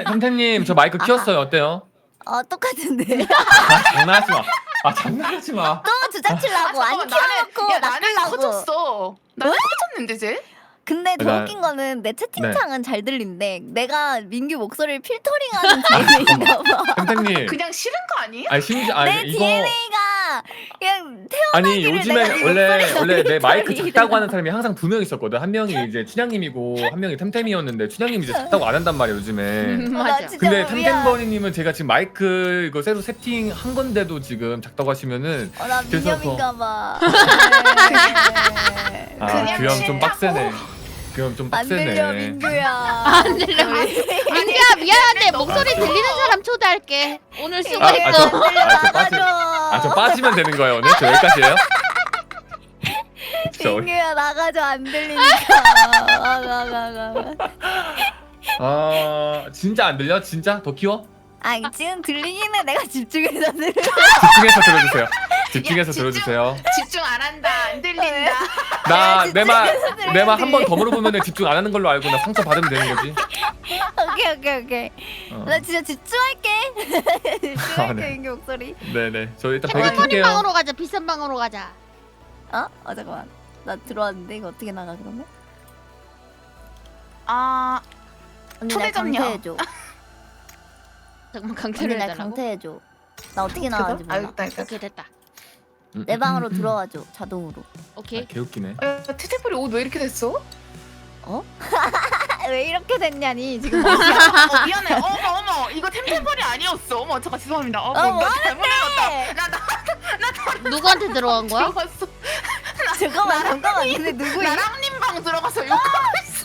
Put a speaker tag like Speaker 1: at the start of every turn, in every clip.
Speaker 1: 템템님 저 마이크 키웠어요. 어때요?
Speaker 2: 똑같은데.
Speaker 1: 장난하지 마. 장난하지 마.
Speaker 2: 또 주작치려고 안 키워놓고
Speaker 3: 야 나는
Speaker 2: 낚으려고.
Speaker 3: 커졌어. 나는 커졌는데 쟤?
Speaker 2: 근데 더
Speaker 1: 나-
Speaker 2: 웃긴 거는 내
Speaker 1: 네.
Speaker 2: 채팅창은 잘 들린대. 내가 민규 목소리를 필터링하는 DNA인가 봐.
Speaker 1: 템템님.
Speaker 3: 그냥 싫은 거 아니에요?
Speaker 1: 아니 심지어
Speaker 2: 내
Speaker 1: 이거
Speaker 2: DNA가 그냥
Speaker 1: 아니
Speaker 2: 태어나기를
Speaker 1: 요즘에
Speaker 2: 내가 네
Speaker 1: 원래 내 마이크
Speaker 2: 필터링이라.
Speaker 1: 작다고 하는 사람이 항상 두 명 있었거든. 한 명이 이제 춘향님이고 한 명이 템템이었는데 춘향님이 이제 작다고 안 한단 말이야 요즘에.
Speaker 2: 나
Speaker 3: 맞아.
Speaker 2: 진짜
Speaker 1: 근데
Speaker 2: 뭐 미안.
Speaker 1: 템템버니님은 제가 지금 마이크 이거 새로 세팅한 건데도 지금 작다고 하시면은
Speaker 2: 나
Speaker 1: 그래서
Speaker 2: 민념인가 봐. 네.
Speaker 3: 그냥
Speaker 1: 그 형 좀
Speaker 3: 싫다고.
Speaker 1: 빡세네. 그 형 좀
Speaker 2: 안 들려
Speaker 1: 빡세네.
Speaker 2: 민규야.
Speaker 4: 안 들려. 민규야 미안한데 목소리 들리는 사람 초대할게. 오늘
Speaker 1: 저
Speaker 4: 수고했어.
Speaker 1: 저 빠지면 되는 거예요 오늘? 저 여기까지예요? 진짜
Speaker 2: 민규야 나가줘 안 들리니까.
Speaker 1: 진짜 안 들려? 진짜? 더 키워?
Speaker 2: 아니 지금 들리긴 해. 내가 집중해서 들려.
Speaker 1: 집중해서 들어주세요. 집중해서
Speaker 3: 집중.
Speaker 1: 들어주세요.
Speaker 3: 집중 안 한다. 안 들린다.
Speaker 1: 나 내 말
Speaker 2: 들어야지.
Speaker 1: 한 번 더 물어보면 집중 안 하는 걸로 알고 나 상처 받으면 되는 거지.
Speaker 2: 오케이.
Speaker 1: 어.
Speaker 2: 나 진짜 집중할게. 집중할게
Speaker 1: 네.
Speaker 2: 민규 목소리.
Speaker 1: 네네. 저 일단 배그
Speaker 4: 템템버린
Speaker 1: 킬게요.
Speaker 4: 방으로 가자. 비싼 방으로 가자.
Speaker 2: 잠깐만. 나 들어왔는데 이거 어떻게 나가 그러면?
Speaker 3: 아
Speaker 2: 언니 날
Speaker 3: 초대점요.
Speaker 2: 강퇴해줘.
Speaker 4: 잠깐만
Speaker 2: 언니
Speaker 4: 강퇴를
Speaker 2: 날
Speaker 4: 해달라고?
Speaker 2: 강퇴해줘. 나 어떻게 나가는지 몰라.
Speaker 3: 알겠다.
Speaker 4: 오케이 됐다.
Speaker 2: 내 방으로 들어와줘 자동으로.
Speaker 4: 오케이.
Speaker 1: 개웃기네.
Speaker 3: 테테블이 옷 왜 이렇게 됐어?
Speaker 2: 왜 이렇게 됐냐니 지금.
Speaker 3: 미안해. 어머 이거 템템벌이 아니었어. 어머 잠깐 죄송합니다.
Speaker 2: 뭐
Speaker 3: 나 잘못
Speaker 2: 하는데?
Speaker 3: 읽었다.
Speaker 4: 누구한테 들어간 거야?
Speaker 3: 들어갔어.
Speaker 2: 잠깐만. 근데 누구야?
Speaker 3: 나랑님 방 들어가서 욕하고 있어.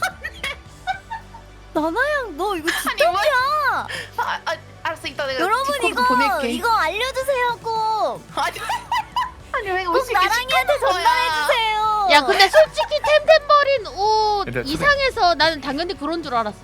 Speaker 2: 나나양 너 이거
Speaker 3: 아니
Speaker 2: 진짜야.
Speaker 3: 알았어 이따 내가
Speaker 2: 여러분
Speaker 3: 디코드 보낼게.
Speaker 2: 이거 알려주세요 꼭.
Speaker 3: 아니 왜
Speaker 2: 꼭 나랑이한테 전달해주세요.
Speaker 4: 야 근데 솔직히 템템버린 옷
Speaker 1: 근데
Speaker 4: 이상해서 나는 당연히 그런 줄 알았어.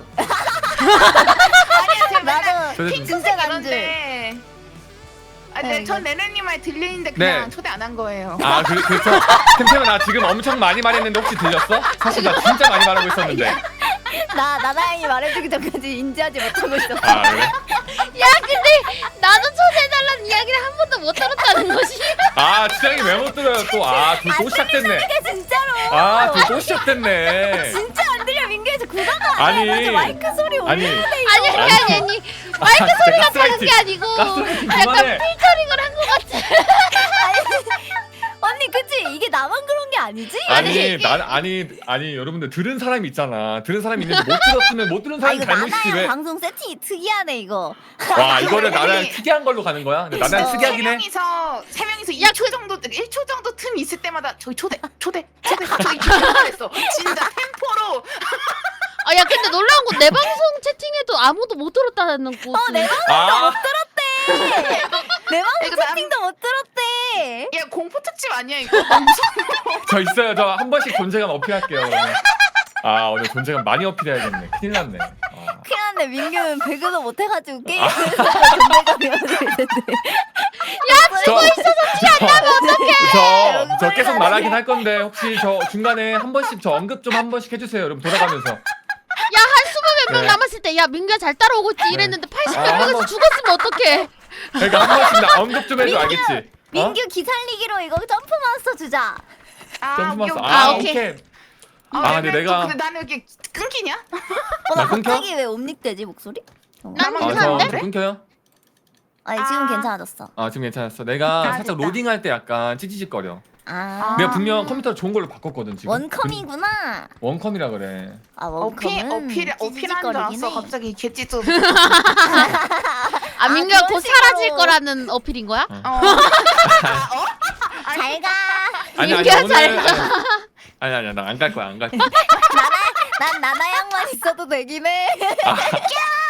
Speaker 3: 아니야 제가 맨날
Speaker 2: 나도
Speaker 1: 저-
Speaker 2: 진짜 난 줄.
Speaker 3: 이런데.
Speaker 2: 네,
Speaker 3: 전 네네님 말 들리는데 그냥
Speaker 1: 네.
Speaker 3: 초대 안 한 거예요.
Speaker 1: 그렇죠. 템템아 나 지금 엄청 많이 말했는데 혹시 들렸어? 사실 나 진짜 많이 말하고 있었는데.
Speaker 2: 나나양이 말해주기 전까지 인지하지 못하고 있었어.
Speaker 1: 그래?
Speaker 4: 야 근데 나도 초대해달라는 이야기를 한 번도 못 들었다는 것이.
Speaker 1: 춘향이 왜 못 들어요 또? 둘 또 시작됐네.
Speaker 2: 이게 진짜로.
Speaker 1: 둘 또 시작됐네.
Speaker 2: 진짜 안 들려 민규에서 구다가
Speaker 1: 아니.
Speaker 2: 맞아 마이크 소리
Speaker 1: 아니.
Speaker 2: 올리는데
Speaker 4: 아니 마이크 소리가 작은 게 아니고
Speaker 1: 가스라이팅
Speaker 4: 약간
Speaker 1: 그만해.
Speaker 4: 필터링을 한 것 같아.
Speaker 2: 언니 그치 이게 나만 그런 게 아니지?
Speaker 1: 아니 여러분들 들은 사람이 있잖아. 들은 사람이 있는데 못 들었으면 못 들은 사람이
Speaker 2: 이거
Speaker 1: 잘못이지
Speaker 2: 나나양
Speaker 1: 왜?
Speaker 2: 방송 세팅이 특이하네 이거.
Speaker 1: 와 이거는 나랑 특이한 걸로 가는 거야? 근데 나랑
Speaker 2: 그쵸.
Speaker 1: 특이하긴 해.
Speaker 3: 세 명이서 2초 정도 1초 정도 틈 있을 때마다 저희 초대 저희 초대했어. 진짜 템포로.
Speaker 4: 야 근데 놀라운 건 내 방송 채팅에도 아무도 못 들었다는 거.
Speaker 2: 내
Speaker 1: 아
Speaker 2: 내 방송
Speaker 3: 이거 남-
Speaker 2: 세팅도 못 들었대.
Speaker 3: 야 공포 특집 아니야 이거? 너무 무서워.
Speaker 1: 저 있어요. 저 한 번씩 존재감 어필할게요. 오늘. 오늘 존재감 많이 어필해야겠네. 큰일 났네.
Speaker 2: 큰일 났네 민규는 배그도 못 해가지고 게임에서 존재감이 없는데.
Speaker 1: 저 계속 말하긴 할 건데 혹시 저 중간에 한 번씩 저 언급 좀 한 번씩 해주세요. 여러분 돌아가면서.
Speaker 4: 야 한 20명
Speaker 1: 네.
Speaker 4: 남았을 때 야 민규야 잘 따라오고 있지 이랬는데 80명
Speaker 1: 한
Speaker 4: 먹어서
Speaker 1: 번-
Speaker 4: 죽었으면 어떡해.
Speaker 1: 그러니까 한 번씩 나 언급 좀 해줘. 알겠지?
Speaker 2: 민규 기살리기로 이거 점프 마스터 주자.
Speaker 1: 점프 마스터.
Speaker 4: 오케이.
Speaker 1: 오케이. 근데 내가-
Speaker 3: 근데 나는 여기 끊기냐?
Speaker 2: 나
Speaker 1: 끊겨?
Speaker 2: 갑자기 왜 옴닉되지 목소리?
Speaker 4: 난
Speaker 3: 아,
Speaker 4: 괜찮은데?
Speaker 1: 저 끊겨요?
Speaker 2: 아니 지금
Speaker 3: 아.
Speaker 2: 괜찮아졌어.
Speaker 1: 지금 괜찮았어. 내가 살짝
Speaker 3: 됐다.
Speaker 1: 로딩할 때 약간 찌찌직거려.
Speaker 2: 아
Speaker 1: 내가 분명 컴퓨터 좋은 걸로 바꿨거든 지금.
Speaker 2: 원컴이구나.
Speaker 1: 원컴이라 그래.
Speaker 2: 원컴은
Speaker 3: 어필한 줄 알았어. 갑자기 개찌도.
Speaker 4: 아 민규야
Speaker 2: 그런
Speaker 4: 곧
Speaker 2: 식으로.
Speaker 4: 사라질 거라는 어필인 거야?
Speaker 2: 잘 가.
Speaker 4: 민규야, 잘
Speaker 1: 아니야 나 안 갈 거야 안 갈 거야.
Speaker 2: 난 나나양만 있어도 되긴 해.